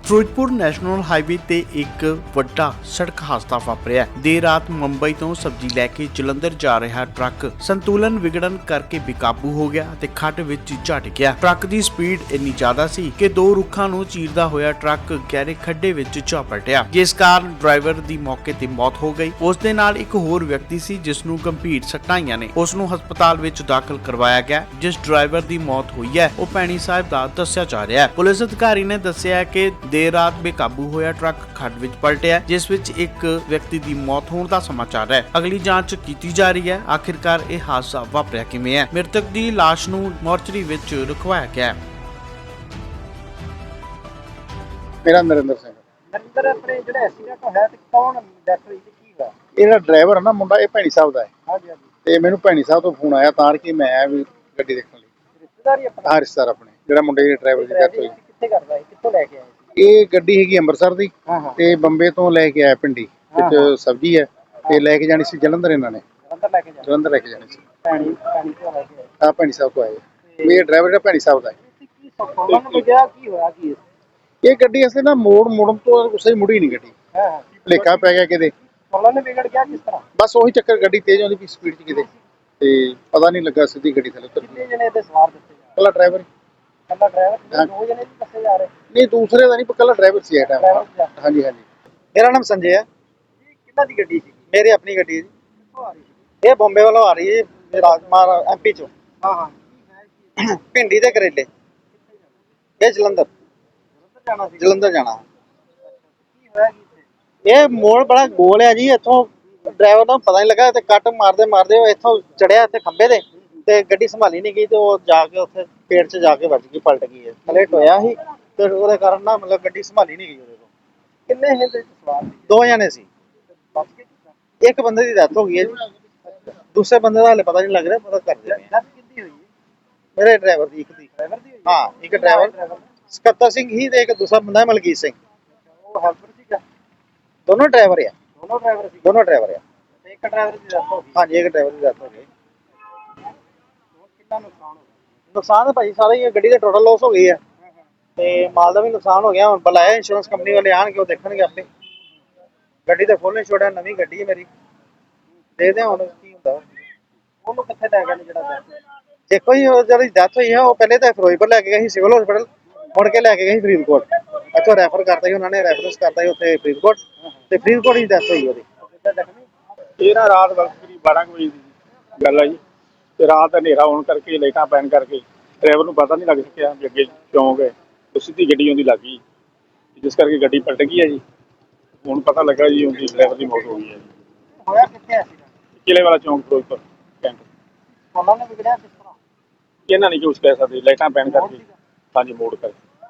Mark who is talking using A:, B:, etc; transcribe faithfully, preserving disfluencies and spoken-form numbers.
A: Firozpur national highway ਤੇ ਇੱਕ ਵੱਡਾ ਸੜਕ ਹਾਦਸਾ ਵਾਪਰਿਆ। ਦੇਰ ਰਾਤ ਮੁੰਬਈ ਤੋਂ ਸਬਜ਼ੀ ਲੈ ਕੇ ਜਲੰਧਰ ਜਾ ਰਿਹਾ ਟਰੱਕ ਸੰਤੁਲਨ ਵਿਗੜਨ ਕਰਕੇ ਬੇਕਾਬੂ ਹੋ ਗਿਆ ਤੇ ਖੱਡ ਵਿੱਚ ਝਟ ਗਿਆ। ਟਰੱਕ ਦੀ ਸਪੀਡ ਇੰਨੀ ਜ਼ਿਆਦਾ ਸੀ ਕਿ ਦੋ ਰੁੱਖਾਂ ਨੂੰ ਚੀਰਦਾ ਹੋਇਆ ਟਰੱਕ ਗਹਿਰੇ ਖੱਡੇ ਵਿੱਚ ਜਾ ਪਲਟਿਆ, ਜਿਸ ਕਾਰਨ ਡਰਾਈਵਰ ਦੀ ਮੌਕੇ ਤੇ ਮੌਤ ਹੋ ਗਈ। ਉਸ ਦੇ ਨਾਲ ਇੱਕ ਹੋਰ ਵਿਅਕਤੀ ਸੀ ਜਿਸ ਨੂੰ ਗੰਭੀਰ ਸੱਟਾਂ ਆਈਆਂ ਨੇ। ਉਸ ਨੂੰ ਹਸਪਤਾਲ ਵਿੱਚ ਦਾਖਲ ਕਰਵਾਇਆ ਗਿਆ। ਜਿਸ ਡਰਾਈਵਰ ਦੀ ਮੌਤ ਹੋਈ ਹੈ ਉਹ ਭੈਣੀ ਸਾਹਿਬ ਦਾ ਦੱਸਿਆ ਜਾ ਰਿਹਾ ਹੈ। ਪੁਲਿਸ ਅਧਿਕਾਰੀ ਨੇ ਦੱਸਿਆ ਕਿ ਦੇਰ ਰਾਤ ਬੇਕਾਬੂ ਹੋਇਆ ਟਰੱਕ ਖੱਡ ਵਿੱਚ ਪਲਟਿਆ, ਜਿਸ ਵਿੱਚ ਇੱਕ ਵਿਅਕਤੀ ਦੀ ਮੌਤ ਹੋਣ ਦਾ ਸਮਾਚਾਰ ਹੈ। ਅਗਲੀ ਜਾਂਚ ਕੀਤੀ ਜਾ ਰਹੀ ਹੈ। ਆਖਿਰਕਾਰ ਇਹ ਹਾਦਸਾ ਵਾਪਰਿਆ ਕਿਵੇਂ ਹੈ। ਮ੍ਰਿਤਕ ਦੀ ਲਾਸ਼ ਨੂੰ ਮੋਰਚਰੀ ਵਿੱਚ ਰਖਵਾਇਆ ਗਿਆ ਹੈ।
B: ਮੇਰਾ ਨਰਿੰਦਰ ਸਿੰਘ।
C: ਨਰਿੰਦਰ ਆਪਣੇ ਜਿਹੜਾ ਐਕਸੀਡੈਂਟ ਹੋਇਆ ਤੇ ਕੌਣ ਡੈਥ ਹੋਈ ਤੇ ਕੀ ਹੋਇਆ?
B: ਇਹਦਾ ਡਰਾਈਵਰ ਹੈ ਨਾ ਮੁੰਡਾ, ਇਹ ਭੈਣੀ ਸਾਹਿਬ ਦਾ ਹੈ।
C: ਹਾਂਜੀ ਹਾਂਜੀ।
B: ਤੇ ਮੈਨੂੰ ਭੈਣੀ ਸਾਹਿਬ ਤੋਂ ਫੋਨ ਆਇਆ ਤਾਂ ਕਿ ਮੈਂ ਆਇਆ ਵੀ ਗੱਡੀ ਦੇਖਣ ਲਈ।
C: ਰਿਸ਼ਤੇਦਾਰੀ ਆਪਣਾ?
B: ਹਾਂ, ਰਿਸ਼ਤੇਦਾਰ ਆਪਣੇ, ਜਿਹੜਾ ਮੁੰਡੇ ਦੇ ਡਰਾਈਵਰ ਦੀ ਡੈਥ ਹੋਈ।
C: ਕਿੱਥੇ ਕਰਦਾ ਹੈ, ਕਿੱਥੋਂ ਲੈ ਕੇ ਆਏ?
B: ਇਹ ਗੱਡੀ ਹੈਗੀ ਅੰਮ੍ਰਿਤਸਰ ਦੀ
C: ਹਾਂ ਹਾਂ।
B: ਤੇ ਬੰਬੇ ਤੋਂ ਲੈ ਕੇ ਆਇਆ ਪਿੰਡੀ ਵਿੱਚ ਸਬਜ਼ੀ ਹੈ ਤੇ ਲੈ ਕੇ ਜਾਣੀ ਸੀ ਜਲੰਧਰ। ਇਹਨਾਂ ਨੇ
C: ਜਲੰਧਰ ਲੈ ਕੇ ਜਾਣਾ?
B: ਜਲੰਧਰ ਲੈ ਕੇ ਜਾਣੀ ਸੀ।
C: ਭੈਣੀ ਭੈਣੀ ਤੋਂ ਲੈ ਕੇ ਆਏ?
B: ਆ ਭੈਣੀ ਸਾਹਿਬ ਤੋਂ ਆਏ ਵੀ ਇਹ ਡਰਾਈਵਰ ਜਿਹੜਾ ਭੈਣੀ ਸਾਹਿਬ ਦਾ ਹੈ।
C: ਕੀ ਸੌਖਾ ਨੂੰ ਗਿਆ, ਕੀ ਹੋਇਆ ਕੀ?
B: ਇਹ ਗੱਡੀ ਅਸਲੇ ਨਾ ਮੋੜ ਮੁੜਨ ਤੋਂ ਉਸੇ ਮੁੜੀ ਨਹੀਂ ਗੱਡੀ,
C: ਹਾਂ ਹਾਂ।
B: ਭੁਲੇਖਾ ਪੈ ਗਿਆ ਕਿਤੇ।
C: ਸੋਲਾਂ ਨੇ ਵਿਗੜ ਗਿਆ ਕਿਸ ਤਰ੍ਹਾਂ?
B: ਬਸ ਉਹੀ ਚੱਕਰ, ਗੱਡੀ ਤੇਜ਼ ਆਉਂਦੀ ਪਈ ਸਪੀਡ 'ਚ ਕਿਤੇ ਤੇ ਪਤਾ ਨਹੀਂ ਲੱਗਾ, ਸਿੱਧੀ ਗੱਡੀ ਥੱਲੇ ਉਤਰ
C: ਕਿੰਨੇ
B: ਗਈ।
C: ਜਣੇ ਇਹਦੇ ਸਵਾਰ ਦਿੱਤੇ ਜਾ
B: ਕੱਲਾ ਡਰਾਈਵਰ
C: ਰਹੇ? ਕੱਲਾ ਡਰਾਈਵਰ? ਦੋ ਜਣੇ ਵੀ ਦੱਸੇ ਜਾ ਰਹੇ?
B: ਨਹੀਂ, ਦੂਸਰੇ ਦਾ ਨਹੀਂ, ਕੱਲਾ ਡਰਾਈਵਰ ਸੀ ਇਹ ਟਾਈਮ।
C: ਡਰਾਈਵਰ?
B: ਹਾਂਜੀ ਹਾਂਜੀ।
D: मेरा नाम संजय है।
C: ਇਹ ਕਿੰਨਾ ਦੀ ਗੱਡੀ ਸੀ?
D: मेरी अपनी गड्डी है जी।
C: ਕਿੱਥੋਂ ਆ ਰਹੀ ਸੀ?
D: ये बॉम्बे वालों आ रही है राजकुमार एमपी चो
C: ਹਾਂ ਹਾਂ। ਕੀ ਹੈ ਕੀ?
D: भिंडी दे करेले। ये जलंधर
C: ਜਲੰਧਰ ਜਾਣਾ ਸੀ?
D: जलंधर जाना।
C: ਕੀ ਹੋਇਆ ਕੀ ਇੱਥੇ?
D: ये मोड़ बड़ा गोल है जी। इथों ड्राइवर ਨੂੰ ਪਤਾ ਨਹੀਂ ਲੱਗਾ ਤੇ ਕੱਟ ਮਾਰਦੇ ਮਾਰਦੇ ਉਹ ਇੱਥੋਂ ਚੜਿਆ ਇੱਥੇ ਖੰਬੇ ਦੇ ਤੇ ਗੱਡੀ ਸੰਭਾਲੀ ਨਹੀਂ ਗਈ ਤੇ ਉਹ ਜਾ ਕੇ ਉੱਥੇ ਪੇੜ 'ਚ ਜਾ ਕੇ ਵੱਜ ਗਈ, ਪਲਟ ਗਈ। ਹੈ ਥੱਲੇ ਟੋਇਆ ਸੀ ਤੇ ਉਹਦੇ ਕਾਰਨ ਨਾ ਮਤਲਬ ਗੱਡੀ ਸੰਭਾਲੀ ਨਹੀਂ ਗਈ ਉਹਦੇ ਕੋਲ।
C: ਕਿੰਨੇ ਇਹਦੇ ਵਿੱਚ ਸਵਾਰ ਸੀ?
D: ਦੋ ਜਣੇ ਸੀ।
C: ਬਚ ਕੇ ਕਿੱਦਾਂ?
D: ਇੱਕ ਬੰਦੇ ਦੀ ਡੈਥ ਹੋ ਗਈ ਹੈ ਜੀ, ਦੂਸਰੇ ਬੰਦੇ ਦਾ ਹਾਲੇ ਪਤਾ ਨਹੀਂ ਲੱਗ ਰਿਹਾ, ਪਤਾ ਕਰਦੇ ਪਏ ਆ।
C: ਡੈਥ ਕਿੰਦੀ ਹੋਈ ਹੈ?
D: ਮੇਰੇ ਡਰਾਈਵਰ ਦੀ ਇੱਕ ਦੀ।
C: ਡਰਾਈਵਰ ਦੀ ਹੋਈ ਹੈ?
D: ਹਾਂ, ਇੱਕ ਡਰਾਈਵਰ ਸਕੱਤਰ ਸਿੰਘ ਹੀ ਤੇ ਇੱਕ ਦੂਸਰਾ ਬੰਦਾ ਹੈ ਮਲਕੀਤ ਸਿੰਘ।
C: ਉਹ ਹੈਲਪਰ ਸੀਗਾ?
D: ਦੋਨੋਂ ਡਰਾਈਵਰ ਆ।
C: ਦੋਨੋਂ ਡਰਾਈਵਰ ਸੀ?
D: ਦੋਨੋਂ ਡਰਾਈਵਰ ਆ।
C: ਤੇ ਇੱਕ ਡਰਾਈਵਰ ਦੀ ਡੈਥ ਹੋ ਗਈ?
D: ਹਾਂਜੀ, ਇੱਕ ਡਰਾਈਵਰ ਦੀ ਡੈਥ ਹੋ ਗਈ।
C: ਹੋਰ ਕਿੰਨਾ ਨੁਕਸਾਨ ਹੋ ਗਿਆ?
D: ਨੁਕਸਾਨ ਤਾਂ ਭਾਈ ਸਾਰਾ ਹੀ ਹੈ, ਗੱਡੀ ਦਾ ਟੋਟਲ ਲਾਸ ਹੋ ਗਈ ਹੈ ਤੇ ਮਾਲ ਦਾ ਵੀ ਨੁਕਸਾਨ ਹੋ ਗਿਆ। ਹੁਣ ਬੁਲਾਇਆ ਇੰਸ਼ੋਰੈਂਸ ਕੰਪਨੀ ਵਾਲੇ, ਆਣਗੇ ਉਹ ਦੇਖਣਗੇ ਆਪੇ। ਗੱਡੀ ਤਾਂ ਖੋਲ੍ਹਣੀ ਛੋੜਿਆ, ਨਵੀਂ ਗੱਡੀ ਹੈ ਮੇਰੀ। ਦੇਖਦੇ ਹਾਂ ਹੁਣ ਕੀ ਹੁੰਦਾ।
C: ਉਹਨੂੰ ਕਿੱਥੇ ਲੈ ਗਏ ਨੇ ਜਿਹੜਾ death ਹੋਇਆ?
D: ਦੇਖੋ ਜੀ, ਉਹ ਜਿਹੜੀ ਡੈਥ ਹੋਈ ਹੈ ਉਹ ਪਹਿਲੇ ਤਾਂ ਫਿਰੋਜ਼ਪੁਰ ਲੈ ਕੇ ਗਏ ਸੀ ਸਿਵਲ ਹਸਪੀਟਲ, ਮੁੜ ਕੇ ਲੈ ਕੇ ਗਏ ਸੀ ਫਰੀਦਕੋਟ। ਇੱਥੋਂ ਰੈਫਰ ਕਰਤਾ ਸੀ ਉਹਨਾਂ ਨੇ, ਰੈਫਰੈਂਸ ਕਰਤਾ ਸੀ ਉੱਥੇ ਫਰੀਦਕੋਟ ਤੇ ਫਰੀਦਕੋਟ ਹੀ ਡੈਥ ਹੋਈ ਉਹਦੀ।
C: ਕਿੱਦਾਂ ਜ਼ਖਮੀ?
E: ਇਹ ਨਾ ਰਾਤ ਵਕਤ ਕਰੀਬ ਬਾਰਾਂ ਕੁ ਵਜੇ ਦੀ ਗੱਲ ਹੈ ਜੀ। ਤੇ ਰਾਤ ਹਨੇਰਾ ਹੋਣ ਕਰਕੇ, ਲਾਈਟਾਂ ਪੈਣ ਕਰਕੇ ਡਰਾਈਵਰ ਨੂੰ ਪਤਾ ਨਹੀਂ ਲੱਗ ਸਕਿਆ ਵੀ ਅੱਗੇ ਚੌਂਕ ਹੈ। ਉਹ ਸਿੱਧੀ ਗੱਡੀ ਉਹਦੀ ਲੱਗ ਗਈ, ਜਿਸ ਕਰਕੇ ਗੱਡੀ ਪਲਟ ਗਈ ਹੈ ਜੀ। ਹੁਣ ਪਤਾ ਲੱਗਾ ਜੀ ਉਹਦੀ ਡਰਾਈਵਰ ਦੀ ਮੌਤ ਹੋ ਗਈ ਹੈ ਜੀ।
C: ਹੋਇਆ ਕਿੱਥੇ ਐਕਸੀਡੈਂਟ?
E: ਕਿਲੇ ਵਾਲਾ ਚੌਂਕ ਫਿਰੋਜ਼ਪੁਰ ਕੈਂਟ।
C: ਸੋਲਾਂ ਨੇ ਵਿਗੜਿਆ ਕਿਸ ਤਰ੍ਹਾਂ?
E: ਇਹਨਾਂ ਨਹੀਂ ਕੁਛ ਕਹਿ ਸਕਦੇ, ਲਾਈਟਾਂ ਪੈਣ ਕਰਕੇ। ਹਾਂਜੀ, ਮੋੜ ਕਰਕੇ।